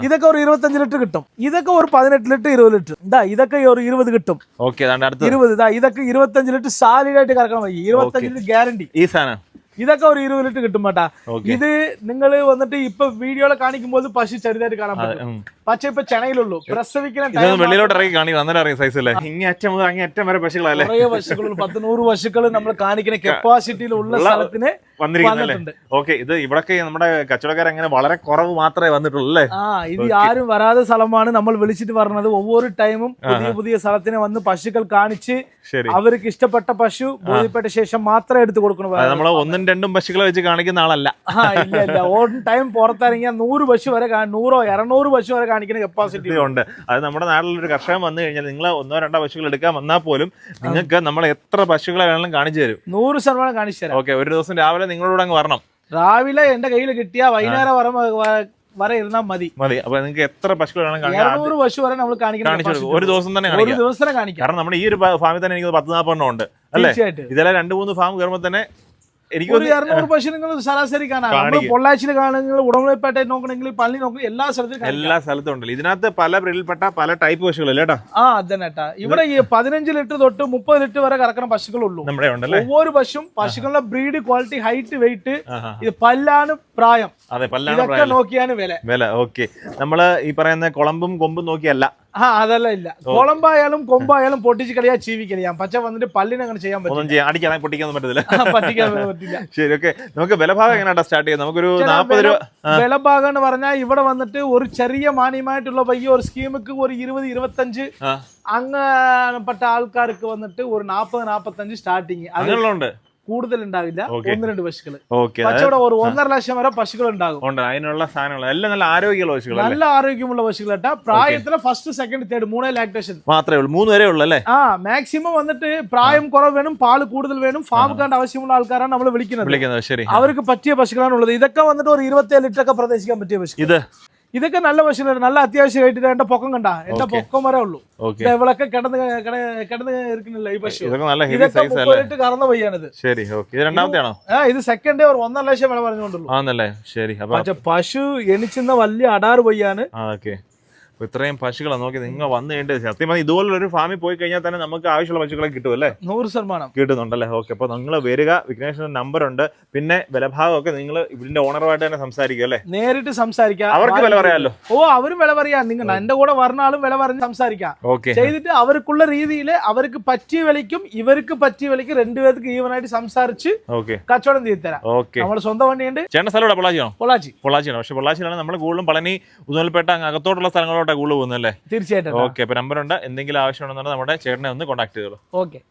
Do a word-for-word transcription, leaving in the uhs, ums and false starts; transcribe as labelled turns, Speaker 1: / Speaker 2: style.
Speaker 1: ഇതൊക്കെ ഒരു ഇരുപത്തഞ്ച് ലിറ്റർ കിട്ടും. ഇതൊക്കെ ഒരു പതിനെട്ട് ലിറ്റർ ഇരുപത് ലിറ്റർ. ഇതാ ഇതൊക്കെ ഒരു ഇരുപത് കിട്ടും. ഇരുപത് ഇതാ ഇതൊക്കെ ഇരുപത്തഞ്ച് ലിറ്റർ സാലിഡായിട്ട് കറക്കണം. ഇരുപത്തഞ്ച് ലിറ്റർ ഗ്യാരണ്ടി.
Speaker 2: ഈ സാധനം
Speaker 1: ഇതൊക്കെ ഒരു ഇരുപത് ലിറ്റർ കിട്ടും കേട്ടാ. ഇത് നിങ്ങൾ വന്നിട്ട് ഇപ്പൊ വീഡിയോയിൽ കാണിക്കുമ്പോൾ പശു ചെറുതായിട്ട് കാണാൻ പറ്റും. പക്ഷെ ഇപ്പൊ ചെണയിലുള്ളൂ പ്രസവിക്കുന്ന
Speaker 2: വെളിയിലോട്ട് ഇറങ്ങി കാണിക്കും സൈസല്ലേ. ഇങ്ങേറ്റം മുതൽ അങ്ങേറ്റം വരെ പശുക്കളല്ലേ.
Speaker 1: കുറേ പശുക്കൾ പത്ത് നൂറ് പശുക്കൾ നമ്മൾ കാണിക്കുന്ന കപ്പാസിറ്റിയിലുള്ള സ്ഥലത്തിന്
Speaker 2: വന്നിരിക്കുന്നുണ്ട്. ഓക്കെ, ഇത് ഇവിടൊക്കെ നമ്മുടെ കച്ചവടക്കാർ അങ്ങനെ വളരെ കുറവ് മാത്രമേ വന്നിട്ടുള്ളൂ അല്ലേ?
Speaker 1: ആ ഇത് ആരും വരാതെ സ്ഥലമാണ് നമ്മൾ വിളിച്ചിട്ട് പറഞ്ഞത്. ഒവ്വൊരു ടൈമും പുതിയ പുതിയ സ്ഥലത്തിന് വന്ന് പശുക്കൾ കാണിച്ച് അവർക്ക് ഇഷ്ടപ്പെട്ട പശു ബോധ്യപ്പെട്ട ശേഷം മാത്രമേ എടുത്തു കൊടുക്കണം.
Speaker 2: നമ്മൾ ഒന്നും രണ്ടും പശുക്കളെ വെച്ച് കാണിക്കുന്ന ആളല്ല.
Speaker 1: ആ ഇല്ല ഇല്ല ഓൺ ടൈം പുറത്തിറങ്ങിയാൽ നൂറ് പശു വരെ നൂറോ ഇരുന്നൂറ് പശു വരെ കാണിക്കുന്ന കപ്പാസിറ്റി ഉണ്ട്.
Speaker 2: അത് നമ്മുടെ നാട്ടിലൊരു കർഷകൻ വന്നു കഴിഞ്ഞാൽ നിങ്ങൾ ഒന്നോ രണ്ടോ പശുക്കൾ എടുക്കാൻ വന്നാൽ പോലും നിങ്ങൾക്ക് നമ്മൾ എത്ര പശുക്കളെ വേണമെങ്കിലും കാണിച്ചു തരും.
Speaker 1: നൂറ് ശതമാനം കാണിച്ചു തരാം.
Speaker 2: ഓക്കെ, ഒരു ദിവസം രാവിലെ നിങ്ങളോട് അങ്ങ് വരണം.
Speaker 1: രാവിലെ എന്റെ കയ്യിൽ കിട്ടിയ വൈകുന്നേരം വരെ ഇരുന്നാൽ മതി
Speaker 2: മതി. അപ്പൊ നിങ്ങൾക്ക് എത്ര പശുക്കൾ വേണം?
Speaker 1: നൂറ് പശു വരെ നമ്മൾ കാണിക്കണം.
Speaker 2: ഒരു ദിവസം തന്നെ
Speaker 1: ഒരു ദിവസം കാണിക്കാം.
Speaker 2: കാരണം നമ്മുടെ ഈ ഒരു ഫാമിൽ തന്നെ എനിക്ക് പത്ത് നാൽപ്പെണ്ണം ഉണ്ട് അല്ലേ? ഇതെല്ലാം രണ്ട് മൂന്ന് ഫാം കയറുമ്പോൾ തന്നെ എനിക്ക്
Speaker 1: ഒരു ഇരുന്നൂറ് പശു നിങ്ങൾ ശരാശരി കാണാം. പൊള്ളാച്ചിയിൽ കാണുന്നെങ്കിൽ ഉടമലപ്പേട്ട നോക്കണമെങ്കിൽ പള്ളി നോക്കണം, എല്ലാ സ്ഥലത്തും
Speaker 2: എല്ലാ സ്ഥലത്തും ഉണ്ടല്ലോ. ഇതിനകത്ത് പല ബ്രീഡിൽപ്പെട്ട പല ടൈപ്പ് പശുക്കളല്ലേ കേട്ടോ?
Speaker 1: ആ അതന്നെട്ടാ. ഇവിടെ ഈ പതിനഞ്ച് ലിറ്റർ തൊട്ട് മുപ്പത് ലിറ്റർ വരെ കറക്കുന്ന പശുക്കളുള്ളൂ
Speaker 2: നമ്മുടെ ഉണ്ടല്ലേ.
Speaker 1: ഒவ்வொரு പശുവും പശുക്കളുടെ ബ്രീഡ് ക്വാളിറ്റി ഹൈറ്റ് വെയിറ്റ് ഇത് പല്ലാണ് പ്രായം.
Speaker 2: അതെ, പല്ലാണ്
Speaker 1: നോക്കിയാണ് വില
Speaker 2: വില ഓക്കെ. നമ്മള് ഈ പറയുന്ന കുളമ്പും കൊമ്പും നോക്കിയല്ല.
Speaker 1: ആ അതല്ല ഇല്ല. കുളമ്പായാലും കൊമ്പായാലും പൊട്ടിച്ച് കളിയാ ചീവി കളിയാം. പക്ഷെ വന്നിട്ട് പല്ലിനെ അങ്ങനെ ചെയ്യാൻ പറ്റും.
Speaker 2: അടിക്കാൻ പൊട്ടിക്കാൻ പറ്റത്തില്ല.
Speaker 1: പറ്റിക്കാൻ പറ്റില്ല.
Speaker 2: ശരി ഓക്കെ. നമുക്ക് വിലഭാഗം എങ്ങനെയാ സ്റ്റാർട്ട് ചെയ്യാം? നമുക്കൊരു നാൽപ്പത് രൂപ
Speaker 1: വിലഭാഗം എന്ന് പറഞ്ഞാൽ ഇവിടെ വന്നിട്ട് ഒരു ചെറിയ മാന്യമായിട്ടുള്ള പയ്യ ഒരു സ്കീമുക്ക് ഒരു ഇരുപത് ഇരുപത്തഞ്ച് അങ്ങനെപ്പെട്ട ആൾക്കാർക്ക് വന്നിട്ട് ഒരു നാപ്പത് നാപ്പത്തഞ്ച് സ്റ്റാർട്ടിങ്.
Speaker 2: അങ്ങനെയുണ്ട്,
Speaker 1: കൂടുതൽ ഉണ്ടാവില്ല. ഒന്ന് രണ്ട് പശുക്കൾ
Speaker 2: കച്ചവടം
Speaker 1: ഒരു ഒന്നര ലക്ഷം വരെ പശുക്കൾ ഉണ്ടാകും.
Speaker 2: അതിനുള്ള സാധനങ്ങൾ എല്ലാം നല്ല ആരോഗ്യമുള്ള പശുക്കൾ,
Speaker 1: നല്ല ആരോഗ്യമുള്ള പശുക്കളാ. പ്രായത്തിലെ ഫസ്റ്റ് സെക്കൻഡ് തേർഡ് മൂന്നേ ലാക്ടേഷൻ
Speaker 2: മാത്രമേ ഉള്ളൂ. മൂന്ന് വരെ ഉള്ളൂ അല്ലേ?
Speaker 1: ആ മാക്സിമം വന്നിട്ട് പ്രായം കുറവ് വേണം, പാല് കൂടുതൽ വേണം, ഫാം കാണ്ട് ആവശ്യമുള്ള ആൾക്കാരാണ് നമ്മൾ വിളിക്കുന്നത്.
Speaker 2: ശരി,
Speaker 1: അവർക്ക് പറ്റിയ പശുക്കളാണ് ഉള്ളത്. ഇതൊക്കെ വന്നിട്ട് ഒരു ഇരുപത്തിയേഴ് ലിറ്റർ ഒക്കെ പ്രതീക്ഷിക്കാൻ പറ്റിയ പശു. ഇത് ഇതൊക്കെ നല്ല പശുക്കളാണ്. നല്ല അത്യാവശ്യം ആയിട്ട് എന്റെ പൊക്കം കണ്ട എന്റെ പൊക്കം വരെ ഉള്ളൂ. ഇവളൊക്കെ കിടന്ന് കിടന്ന് ഇരിക്കുന്നില്ല ഈ പശു. ഇതൊക്കെ കറന്ന പയ്യാണിത്.
Speaker 2: ശരി ഓക്കെ. ഇത് രണ്ടാമത്തെയാണോ?
Speaker 1: ആ ഇത് സെക്കൻഡ് ഒരു ഒന്നര ലക്ഷം വില പറഞ്ഞുകൊണ്ടുള്ളൂ.
Speaker 2: ശരി.
Speaker 1: പക്ഷെ പശു എണിച്ചുന്ന വലിയ അടാറ് പയ്യാണ്.
Speaker 2: ഇത്രയും പശുക്കളെ നോക്കി നിങ്ങൾ വന്നു കഴിഞ്ഞിട്ട് സത്യം പറഞ്ഞാൽ ഇതുപോലുള്ള ഒരു ഫാമിൽ പോയി കഴിഞ്ഞാൽ തന്നെ നമുക്ക് ആവശ്യമുള്ള പശുക്കളെ കിട്ടും അല്ലേ?
Speaker 1: നൂറ് ശതമാനം
Speaker 2: കിട്ടുന്നുണ്ടല്ലേ? ഓക്കെ. അപ്പൊ നിങ്ങൾ വരിക, വിഘ്നേഷിന്റെ നമ്പർ ഉണ്ട്. പിന്നെ വിലഭാഗം ഒക്കെ നിങ്ങൾ ഇതിന്റെ ഓണറുമായിട്ട് തന്നെ സംസാരിക്കും അല്ലേ?
Speaker 1: നേരിട്ട് സംസാരിക്കാം.
Speaker 2: അവർക്ക് വില പറയാമല്ലോ.
Speaker 1: ഓ അവരും വില പറയാം. നിങ്ങൾ എന്റെ കൂടെ വരുന്ന ആളും വില പറഞ്ഞ് സംസാരിക്കാം.
Speaker 2: ഓക്കെ.
Speaker 1: ചെയ്തിട്ട് അവർക്കുള്ള രീതിയിൽ അവർക്ക് പറ്റിയ വിലയ്ക്കും ഇവർക്ക് പറ്റിയ വിലയ്ക്ക് രണ്ടുപേർക്ക് ഈവനായിട്ട് സംസാരിച്ച് കച്ചവടം ചെയ്ത് തരാം.
Speaker 2: ഓക്കെ.
Speaker 1: നമ്മുടെ സ്വന്തം വണ്ടിയുണ്ട്.
Speaker 2: ചേട്ടൻ സ്ഥലം പൊള്ളാച്ചിയാണോ?
Speaker 1: പൊള്ളാച്ചി
Speaker 2: പൊള്ളാച്ചിയാണ്. പക്ഷെ പൊള്ളാച്ചിയിലാണ് നമ്മൾ കൂടുതലും പളനി ഉദുമൽപേട്ട അകത്തോട്ടുള്ള സ്ഥലങ്ങളോട്ട് കൂടുതൽ പോകുന്നല്ലേ?
Speaker 1: തീർച്ചയായിട്ടും.
Speaker 2: ഓക്കെ. അപ്പൊ നമ്പർ ഉണ്ട്. എന്തെങ്കിലും ആവശ്യമുണ്ടെന്നുണ്ടെങ്കിൽ നമ്മുടെ ചേട്ടനെ ഒന്ന് കോൺടാക്ട് ചെയ്തോളൂ.
Speaker 1: ഓക്കെ.